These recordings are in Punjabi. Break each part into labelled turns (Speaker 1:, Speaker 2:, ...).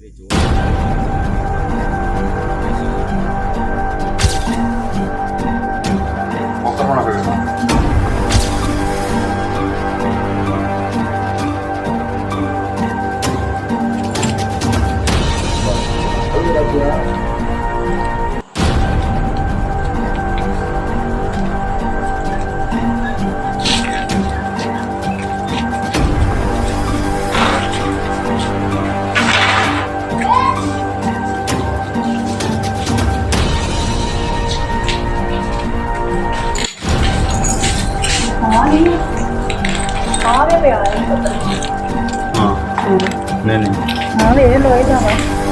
Speaker 1: हाँ वे लोई जावा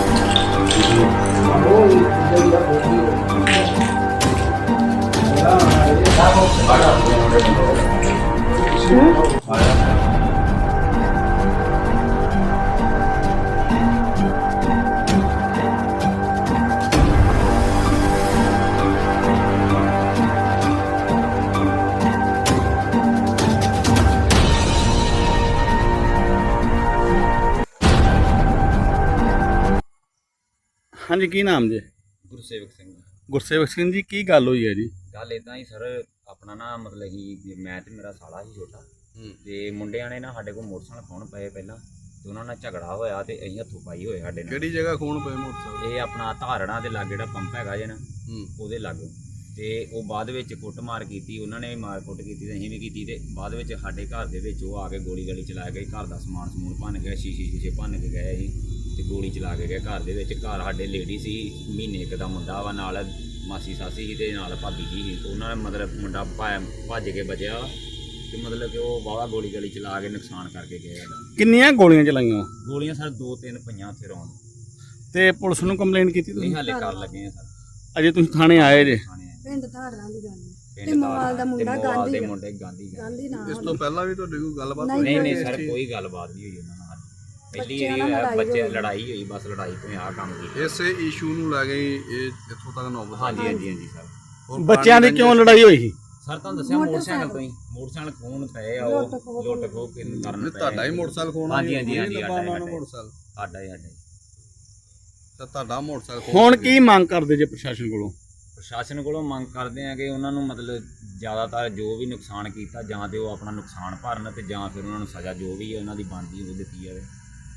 Speaker 2: हाँ जी की नाम जी?
Speaker 3: गुरसेवक सिंह।
Speaker 2: गुरसेवक सिंह जी की गल हुई है जी?
Speaker 3: गल इदा ही सर अपना ना मतलब ही मैं तो मेरा साला ही छोटा ते मुंडिया ने ना साडे कोल मोटरसाइकिल खोण पए पहला ते उन्हां नाल झगड़ा होया ते असीं हत्थों पाई होए साडे नाल।
Speaker 2: किहड़ी जगह खोण पए मोटरसाइकिल?
Speaker 3: ये अपना धारणा दे लागे जिहड़ा पंप हैगा जे ना ਉਹਦੇ ਲਾਗੋਂ ਤੇ ਉਹ ਬਾਅਦ ਵਿੱਚ ਕੁੱਟਮਾਰ ਕੀਤੀ ਉਹਨਾਂ ਨੇ ਵੀ ਮਾਰ ਕੁੱਟ ਕੀਤੀ ਤੇ ਅਸੀਂ ਵੀ ਕੀਤੀ ਤੇ ਬਾਅਦ ਵਿੱਚ ਸਾਡੇ ਘਰ ਦੇ ਵਿੱਚ ਉਹ ਆ ਕੇ ਗੋਲੀ ਗਾਲੀ ਚਲਾ ਗਏ ਘਰ ਦਾ ਸਮਾਨ ਸਮੂਨ ਭੰਨ ਗਿਆ ਸ਼ੀਸ਼ੇ ਭੰਨ ਕੇ ਗਏ ਸੀ ਤੇ ਗੋਲੀ ਚਲਾ ਕੇ ਗਏ ਘਰ ਦੇ ਵਿੱਚ ਘਰ ਸਾਡੇ ਲੇਡੀ ਸੀ ਮਹੀਨੇ ਇੱਕ ਦਾ ਮੁੰਡਾ ਵਾ ਨਾਲ ਮਾਸੀ ਸਾਸੀ ਸੀ ਤੇ ਨਾਲ ਭਾਬੀ ਜੀ ਸੀ ਉਹਨਾਂ ਨੇ ਮਤਲਬ ਮੁੰਡਾ ਭੱਜ ਕੇ ਬਚਿਆ ਤੇ ਮਤਲਬ ਕਿ ਉਹ ਵਾਹਵਾ ਗੋਲੀ ਗਾਲੀ ਚਲਾ ਕੇ ਨੁਕਸਾਨ ਕਰਕੇ ਗਏ ਸਾਡਾ।
Speaker 2: ਕਿੰਨੀਆਂ ਗੋਲੀਆਂ ਚਲਾਈਆਂ?
Speaker 3: ਗੋਲੀਆਂ ਸਰ 2-3 ਪਈਆਂ ਉੱਥੇ ਰੌਣ
Speaker 2: ਤੇ ਪੁਲਿਸ ਨੂੰ ਕੰਪਲੇਂਟ ਕੀਤੀ ਤੁਸੀਂ?
Speaker 3: ਨਹੀਂ ਹਾਲੇ ਕਰ ਲੱਗੇ ਆ ਸਰ।
Speaker 2: ਅਜੇ ਤੁਸੀਂ ਥਾਣੇ ਆਏ ਜੇ?
Speaker 1: ਪਿੰਡ ਧਾਰਾਂ ਦੀ ਗੱਲ ਤੇ ਮੋਵਾਲ ਦਾ ਮੁੰਡਾ ਗਾਂਧੀ
Speaker 3: ਦੇ ਮੁੰਡੇ ਗਾਂਧੀ
Speaker 1: ਨਾਮ
Speaker 2: ਇਸ ਤੋਂ ਪਹਿਲਾਂ ਵੀ ਤੁਹਾਡੀ ਕੋਈ ਗੱਲਬਾਤ
Speaker 3: ਹੋਈ? ਨਹੀਂ ਸਰ ਕੋਈ ਗੱਲਬਾਤ ਨਹੀਂ ਹੋਈ ਉਹਨਾਂ ਨਾਲ। ਪਹਿਲੀ ਵਾਰੀ ਬੱਚੇ ਲੜਾਈ ਹੋਈ ਬਸ ਲੜਾਈ ਤੋਂ ਆ ਕੰਮ ਕੀਤਾ।
Speaker 2: ਇਸੇ ਇਸ਼ੂ ਨੂੰ ਲੈ ਕੇ ਇਹ ਇੱਥੋਂ ਤੱਕ ਨੌਬਤ?
Speaker 3: ਹਾਂਜੀ ਸਰ।
Speaker 2: ਬੱਚਿਆਂ ਦੀ ਕਿਉਂ ਲੜਾਈ ਹੋਈ ਸੀ?
Speaker 3: ਸਰ ਤੁਹਾਨੂੰ ਦੱਸਿਆ ਮੋਟਰਸਾਈਕਲ ਤੋਂ ਹੀ ਮੋਟਰਸਾਈਕਲ ਖੋਣ ਪਏ ਆ ਉਹ ਲੁੱਟ ਖੋਹ ਕਰਨ ਪਏ।
Speaker 2: ਤੁਹਾਡਾ ਹੀ ਮੋਟਰਸਾਈਕਲ ਖੋਣਾ?
Speaker 3: ਹਾਂਜੀ
Speaker 2: ਮੋਟਰਸਾਈਕਲ
Speaker 3: ਸਾਡਾ ਹੀ
Speaker 2: ਤਾਂ ਤੁਹਾਡਾ ਮੋਟਰਸਾਈਕਲ। ਹੁਣ ਕੀ ਮੰਗ ਕਰਦੇ ਜੇ ਪ੍ਰਸ਼ਾਸਨ ਕੋਲੋਂ?
Speaker 3: ਪ੍ਰਸ਼ਾਸਨ ਕੋਲੋਂ ਮੰਗ ਕਰਦੇ ਆ ਕਿ ਉਹਨਾਂ ਨੂੰ ਮਤਲਬ ਜ਼ਿਆਦਾਤਰ ਜੋ ਵੀ ਨੁਕਸਾਨ ਕੀਤਾ ਜਾਂ ਤੇ ਉਹ ਆਪਣਾ ਨੁਕਸਾਨ ਭਰਨ ਤੇ ਜਾਂ ਫਿਰ ਉਹਨਾਂ ਨੂੰ ਸਜ਼ਾ ਜੋ ਵੀ ਹੈ ਉਹਨਾਂ ਦੀ ਬਣਦੀ ਉਹ ਦਿੱਤੀ ਜਾਵੇ।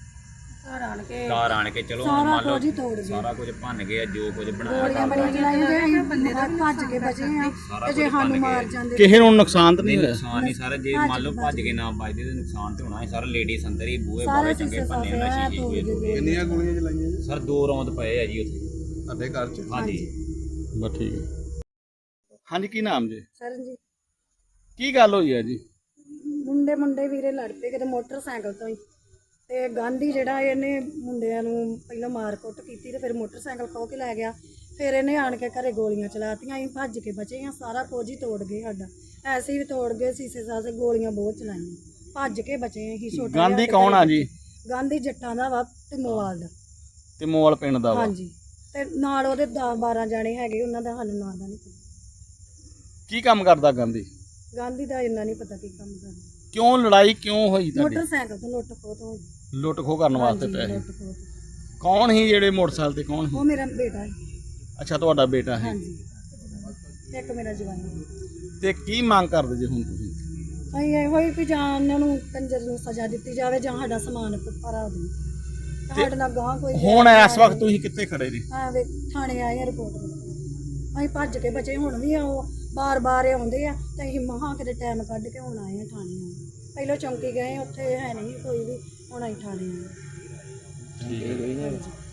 Speaker 3: ਘਰ ਆਣ ਕੇ ਚਲੋ ਮੰਨ ਲਓ ਸਾਰਾ ਕੁਝ ਭੰਨ ਗਏ ਜੋ ਕੁਝ ਬਣਾਇਆ
Speaker 1: ਭੱਜ ਕੇ ਬਚੇ ਆ ਤੇ ਜੇ ਸਾਨੂੰ ਮਾਰ ਜਾਂਦੇ
Speaker 2: ਕਿਸੇ ਨੂੰ ਨੁਕਸਾਨ ਤਾਂ ਨਹੀਂ ਹੋਇਆ?
Speaker 3: ਨੁਕਸਾਨ ਨਹੀਂ ਸਾਰਾ ਜੇ ਮੰਨ ਲਓ ਭੱਜ ਕੇ ਨਾ ਵੱਜਦੇ ਤੇ ਨੁਕਸਾਨ ਤੇ ਹੋਣਾ ਸੀ। ਸਾਰਾ ਲੇਡੀਜ਼ ਅੰਦਰ ਹੀ ਬੂਹੇ ਬਾਰੇ ਚੰਗੇ ਭੰਨੇ ਉਹਨਾਂ ਸ਼ੀਸ਼ੇ।
Speaker 2: ਕਿੰਨੀਆਂ ਗੋਲੀਆਂ ਚਲਾਈਆਂ ਜੀ?
Speaker 3: ਸਰ 2 ਰੌਂਦ ਪਏ ਆ ਜੀ ਉੱਥੇ
Speaker 2: ਤੁਹਾਡੇ ਘਰ 'ਚ?
Speaker 3: ਹਾਂਜੀ
Speaker 2: ਬਸ ਠੀਕ ਹੈ। ਹਾਂਜੀ ਕੀ ਨਾਮ ਜੀ?
Speaker 1: ਸਰ ਜੀ
Speaker 2: ਕੀ ਗੱਲ ਹੋਈ ਹੈ ਜੀ?
Speaker 1: ਮੁੰਡੇ ਵੀਰੇ ਲੜ ਪਏ ਕਿਤੇ ਮੋਟਰਸਾਈਕਲ ਤੋਂ ਹੀ ਤੇ ਗਾਂਧੀ ਜਿਹੜਾ ਇਹਨੇ ਮੁੰਡਿਆਂ ਨੂੰ ਪਹਿਲਾਂ ਮਾਰ ਕੁੱਟ ਕੀਤੀ ਤੇ ਫਿਰ ਮੋਟਰਸਾਈਕਲ ਖੋਹ ਕੇ ਲੈ ਗਿਆ। ਫਿਰ ਇਹਨੇ ਆਣ ਕੇ ਘਰੇ ਗੋਲੀਆਂ ਚਲਾਤੀਆਂ। ਅਸੀਂ ਭੱਜ ਕੇ ਬਚੇ ਆ। ਸਾਰਾ ਕੁਝ ਹੀ ਤੋੜ ਗਏ ਸਾਡਾ ਐਸੇ ਵੀ ਤੋੜ ਗਏ ਸ਼ੀਸ਼ੇ ਸਾਸੇ ਗੋਲੀਆਂ ਬਹੁਤ ਚਲਾਈਆਂ ਭੱਜ ਕੇ ਬਚੇ ਅਸੀਂ। ਛੋਟਾ
Speaker 2: ਗਾਂਧੀ ਕੌਣ ਆ ਜੀ?
Speaker 1: ਗਾਂਧੀ ਜੱਟਾਂ ਦਾ ਵਾ ਤੇ ਮੋਵਾਲ ਦਾ।
Speaker 2: ਤੇ ਮੋਵਾਲ ਪਿੰਡ ਦਾ ਵਾ?
Speaker 1: ਹਾਂਜੀ ਤੇ ਨਾਲ ਉਹਦੇ 10-12 ਜਾਣੇ ਹੈਗੇ ਉਹਨਾਂ ਦਾ ਸਾਨੂੰ ਨਾਂ ਦਾ ਨਹੀਂ ਪਤਾ।
Speaker 2: ਕੀ ਕੰਮ ਕਰਦਾ ਗਾਂਧੀ?
Speaker 1: ਗਾਂਧੀ ਦਾ ਇੰਨਾ ਨਹੀਂ ਪਤਾ ਕੀ ਕੰਮ ਕਰਦਾ।
Speaker 2: ਕਿਉਂ ਲੜਾਈ ਕਿਉਂ ਹੋਈ ਤੁਹਾਡੀ?
Speaker 1: ਮੋਟਰਸਾਈਕਲ ਤੋਂ ਲੁੱਟ ਖੋਹ ਤੋਂ ਹੋਈ।
Speaker 2: ਲੁੱਟ ਖੋਹ ਕਰਨ ਵਾਸਤੇ ਪਏ?
Speaker 1: ਲੁੱਟ ਖੋਹ ਤੋਂ।
Speaker 2: ਕੌਣ ਸੀ ਜਿਹੜੇ ਮੋਟਰਸਾਈਕਲ ਤੇ? ਕੌਣ ਸੀ?
Speaker 1: ਉਹ ਮੇਰਾ ਬੇਟਾ ਹੈ।
Speaker 2: ਅੱਛਾ ਤੁਹਾਡਾ ਬੇਟਾ ਹੈ?
Speaker 1: ਹਾਂਜੀ ਇੱਕ ਮੇਰਾ ਜਵਾਈ ਹੈ।
Speaker 2: ਤੇ ਕੀ ਮੰਗ ਕਰਦੇ ਜੇ ਹੁਣ ਤੁਸੀਂ?
Speaker 1: ਅਸੀਂ ਇਹੋ ਹੀ ਵੀ ਜਾਂ ਉਹਨਾਂ ਨੂੰ ਕੰਜਰ ਨੂੰ ਸਜ਼ਾ ਦਿੱਤੀ ਜਾਵੇ ਜਾਂ ਸਾਡਾ ਸਮਾਨ ਭਰਾ ਦੇ ਸਾਡੇ ਨਾਲ ਗਾਂ ਕੋਈ।
Speaker 2: ਹੁਣ ਇਸ ਵਕਤ ਤੁਸੀਂ ਕਿੱਥੇ ਖੜੇ ਜੀ?
Speaker 1: ਵੇ ਥਾਣੇ ਆਏ ਆ ਰਿਪੋਰਟ ਅਸੀਂ ਭੱਜ ਕੇ ਬਚੇ। ਹੁਣ ਵੀ ਉਹ ਬਾਰ-ਬਾਰ ਆਉਂਦੇ ਆ ਤੇ ਅਸੀਂ ਮਹਾਂ ਕਿਤੇ ਟਾਈਮ ਕੱਢ ਕੇ ਹੁਣ ਆਏ ਆ ਥਾਣੇ ਆਏ। ਪਹਿਲਾਂ ਚੌਂਕੀ ਗਏ ਉੱਥੇ ਹੈ ਨਹੀਂ ਕੋਈ ਵੀ ਹੁਣ ਅਸੀਂ ਥਾਣੇ ਆਏ।
Speaker 2: ਠੀਕ ਹੈ।